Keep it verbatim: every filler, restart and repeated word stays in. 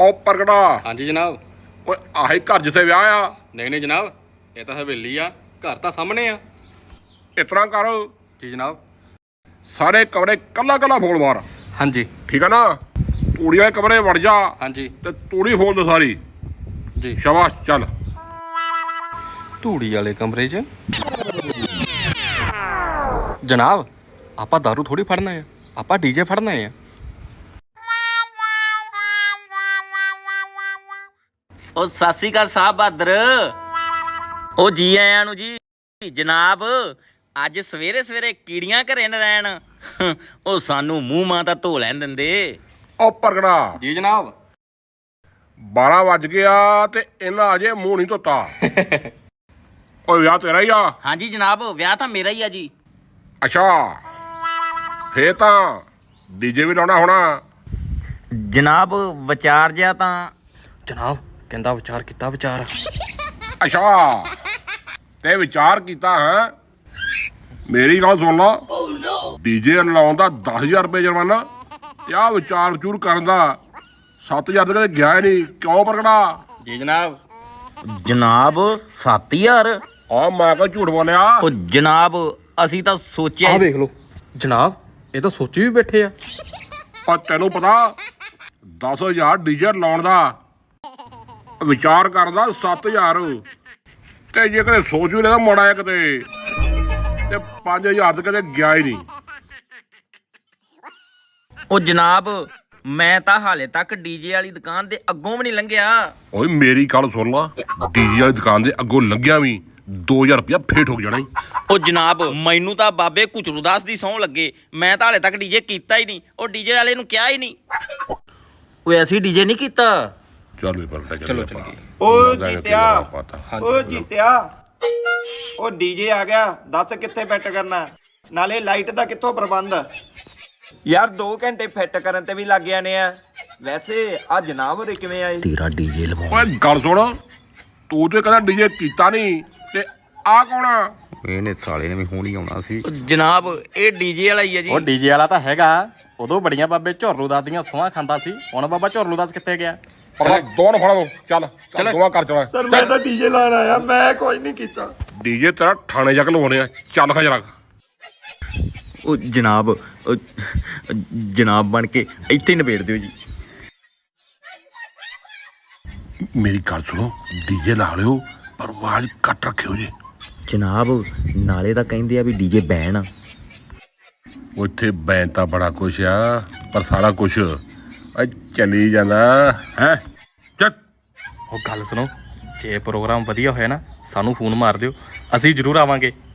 ਉਹ ਪ੍ਰਗਟਾ। ਹਾਂਜੀ ਜਨਾਬ। ਓਏ ਆਹੀ ਘਰ ਜਿੱਥੇ ਵਿਆਹ ਆ? ਨਹੀਂ ਨਹੀਂ ਜਨਾਬ, ਇਹ ਤਾਂ ਹਵੇਲੀ ਆ, ਘਰ ਤਾਂ ਸਾਹਮਣੇ ਆ। ਇਸ ਤਰ੍ਹਾਂ ਕਰ, ਜੀ ਜਨਾਬ। ਸਾਰੇ ਕਮਰੇ ਕੱਲਾ ਕੱਲਾ ਫੋਲ ਮਾਰ। ਹਾਂਜੀ ਠੀਕ ਆ ਨਾ? ਤੂੜੀ ਵਾਲੇ ਕਮਰੇ ਵੜ ਜਾ ਹਾਂਜੀ ਤੇ ਤੂੜੀ ਫੋਲ ਦੇ ਸਾਰੀ। ਜੀ ਸ਼ਾਬਾਸ਼, ਚੱਲ। ਧੂੜੀ ਵਾਲੇ ਕਮਰੇ 'ਚ ਜਨਾਬ, ਆਪਾਂ ਦਾਰੂ ਥੋੜੀ ਫੜਨਾ ਆ, ਆਪਾਂ ਡੀਜੇ ਫੜਨਾ ਆ। ਉਹ ਸਤਿ ਸ਼੍ਰੀ ਅਕਾਲ ਸਾਹਿਬ ਬਹਾਦਰ। ਉਹ ਜੀ ਆਇਆਂ ਨੂੰ ਜੀ। ਜਨਾਬ ਅੱਜ ਸਵੇਰੇ ਸਵੇਰੇ ਕੀੜੀਆਂ ਘਰੇ ਨਾ ਰਹਿਣ, ਉਹ ਸਾਨੂੰ ਮੂੰਹ ਮਾਂ ਤਾਂ ਧੋ ਲੈਣ ਦਿੰਦੇ। ਉਹ ਪ੍ਰਗਟਾ, ਜੀ ਜਨਾਬ। ਬਾਰਾਂ ਵੱਜ ਗਿਆ ਤੇ ਇਹਨਾਂ ਅਜੇ ਮੂੰਹ ਨਹੀਂ ਧੋਤਾ। ਓਏ ਵਿਆਹ ਤੇਰਾ ਹੀ ਆ? ਹਾਂਜੀ ਜਨਾਬ, ਵਿਆਹ ਤਾਂ ਮੇਰਾ ਹੀ ਆ ਜੀ। ਅੱਛਾ, ਫੇਰ ਤਾਂ ਡੀਜੇ ਵੀ ਲਾਉਣਾ ਹੋਣਾ। ਜਨਾਬ ਵਿਚਾਰ ਜਿਆ ਤਾਂ ਜਨਾਬ ਕਹਿੰਦਾ ਵਿਚਾਰ ਕੀਤਾ ਵਿਚਾਰ। ਅੱਛਾ, ਤੇ ਵਿਚਾਰ ਕੀਤਾ ਹੈ? ਮੇਰੀ ਗੱਲ ਸੁਣ ਲਾ, ਡੀਜੇ ਲਾਉਣ ਦਾ ਦਸ ਹਜ਼ਾਰ ਰੁਪਏ ਜੁਰਮਾਨਾ ਤੇ ਆਹ ਵਿਚਾਰ ਵਿਚੂਰ ਕਰਨ ਦਾ ਸੱਤ ਹਜ਼ਾਰ ਤਾਂ ਕਦੇ ਗਿਆ ਹੀ ਨਹੀਂ। ਕਿਉਂ ਪ੍ਰਗਟਾ? ਜੀ ਜਨਾਬ। ਜਨਾਬ ਸੱਤ ਹਜ਼ਾਰ? ਆ ਮੈਂ ਕਿਹਾ ਝੂਠ ਬੋਲਿਆ। ਉਹ ਜਨਾਬ ਅਸੀਂ ਤਾਂ ਸੋਚਿਆ ਆਹ ਵੇਖ ਲਓ ਜਨਾਬ, ਇਹ ਤਾਂ ਸੋਚੀ ਵੀ ਬੈਠੇ ਆ। ਪਰ ਤੈਨੂੰ ਪਤਾ ਦਸ ਹਜ਼ਾਰ ਡੀਜੇ ਲਾਉਣ ਦਾ, ਵਿਚਾਰ ਕਰਦਾ ਸੱਤ ਹਜ਼ਾਰ, ਤੇ ਜੇ ਕਦੇ ਸੋਚ ਵੀ ਲੈਦਾ ਮਾੜਾ ਜਿਹਾ ਕਿਤੇ ਤੇ ਪੰਜ ਹਜ਼ਾਰ ਤਾਂ ਕਦੇ ਗਿਆ ਹੀ ਨਹੀਂ। ਉਹ ਜਨਾਬ ਮੈਂ ਤਾਂ ਹਾਲੇ ਤੱਕ ਡੀਜੇ ਵਾਲੀ ਦੁਕਾਨ ਦੇ ਅੱਗੋਂ ਵੀ ਨਹੀਂ ਲੰਘਿਆ। ਓਏ ਮੇਰੀ ਗੱਲ ਸੁਣ ਲਾ, ਡੀਜੇ ਵਾਲੀ ਦੁਕਾਨ ਦੇ ਅੱਗੋਂ ਲੰਘਿਆ ਵੀ ਦੋ ਹਜ਼ਾਰ ਰੁਪਇਆ ਫੇਰ ਠੋਕ ਜਾਣਾ ਈ। ਉਹ ਜਨਾਬ ਮੈਨੂੰ ਤਾਂ ਬਾਬੇ ਕੁਚਰੂਦਾਸ ਦੀ ਸਹੁੰ ਲੱਗੇ, ਮੈਂ ਤਾਂ ਹਾਲੇ ਤੱਕ ਡੀਜੇ ਕੀਤਾ ਹੀ ਨਹੀਂ। ਉਹ ਡੀਜੇ ਵਾਲੇ ਨੂੰ ਕਿਹਾ ਹੀ ਨਹੀਂ। ਓਏ ਅਸੀਂ ਡੀਜੇ ਨਹੀਂ ਕੀਤਾ। ਚੱਲ ਵੀ ਪਰਟਾ ਚਲੋ ਚੱਲੀਏ। ਓ ਜੀਤਿਆ, ਓ ਜੀਤਿਆ, ਓ ਡੀਜੇ ਆ ਗਿਆ, ਦੱਸ ਕਿੱਥੇ ਫਿੱਟ ਕਰਨਾ, ਨਾਲੇ ਲਾਈਟ ਦਾ ਕਿੱਥੋਂ ਪ੍ਰਬੰਧ? ਯਾਰ ਦੋ ਘੰਟੇ ਫਿੱਟ ਕਰਨ ਤੇ ਵੀ ਲੱਗ ਜਾਣੇ ਆ। ਵੈਸੇ ਆ ਜਨਾਬ ਹੋਰੇ ਕਿਵੇਂ ਆਏ? ਤੇਰਾ ਡੀਜੇ ਲਵਾਉ। ਓਏ ਗੱਲ ਸੁਣ, ਤੂੰ ਤੇ ਕਹਿੰਦਾ ਡੀਜੇ ਕੀਤਾ ਨਹੀਂ, ਤੇ ਆ ਕੌਣ ਆ? ਇਹਨੇ ਸਾਲੇ ਨੇ ਵੀ ਹੁਣ ਹੀ ਆਉਣਾ ਸੀ। ਜਨਾਬ ਇਹ ਡੀਜੇ ਵਾਲਾ ਹੀ ਆ ਜੀ। ਉਹ ਡੀਜੇ ਵਾਲਾ ਤਾਂ ਹੈਗਾ, ਉਦੋਂ ਬੜੀਆਂ ਬਾਬੇ ਝੋਰਲੂ ਦਾਸ ਦੀਆਂ ਸੋਹਾਂ ਖਾਂਦਾ ਸੀ। ਹੁਣ ਬਾਬਾ ਝੋਰਲੂ ਦਾਸ ਕਿੱਥੇ ਗਿਆ? ਪਰ ਦੋਨ ਫੜਾ ਦੋ, ਚੱਲ ਚੱਲ ਦੋਵਾਂ ਕਰ ਚਲਾ। ਸਰ ਮੈਂ ਤਾਂ ਡੀਜੇ ਲਾਣ ਆਇਆ, ਮੈਂ ਕੋਈ ਨਹੀਂ ਕੀਤਾ। ਡੀਜੇ ਤੇਰਾ ਥਾਣੇ ਜਾ ਕੇ ਲਵਾਉਣੇ ਆ, ਚੱਲ ਖਾ ਜਰਾ। ਉਹ ਜਨਾਬ ਉਹ ਜਨਾਬ ਬਣ ਕੇ ਇੱਥੇ ਨਿਬੇੜ ਦਿਓ ਜੀ। ਮੇਰੀ ਗੱਲ ਸੁਣੋ, ਡੀਜੇ ਲਾ ਲਿਓ ਪਰ ਆਵਾਜ਼ ਘੱਟ ਰੱਖਿਓ ਜੀ। ਜਨਾਬ ਨਾਲੇ ਤਾਂ ਕਹਿੰਦੇ ਆ ਵੀ ਡੀਜੇ ਬੈਨ ਆ। ਉੱਥੇ ਬੈਨ ਤਾਂ ਬੜਾ ਕੁਛ ਆ, ਪਰ ਸਾਰਾ ਕੁਛ ਚੱਲੀ ਜਾਂਦਾ ਹੈ। ਚੱਲ ਉਹ ਗੱਲ ਸੁਣੋ, ਜੇ ਪ੍ਰੋਗਰਾਮ ਵਧੀਆ ਹੋਇਆ ਨਾ ਸਾਨੂੰ ਫੋਨ ਮਾਰ ਦਿਓ, ਅਸੀਂ ਜ਼ਰੂਰ ਆਵਾਂਗੇ।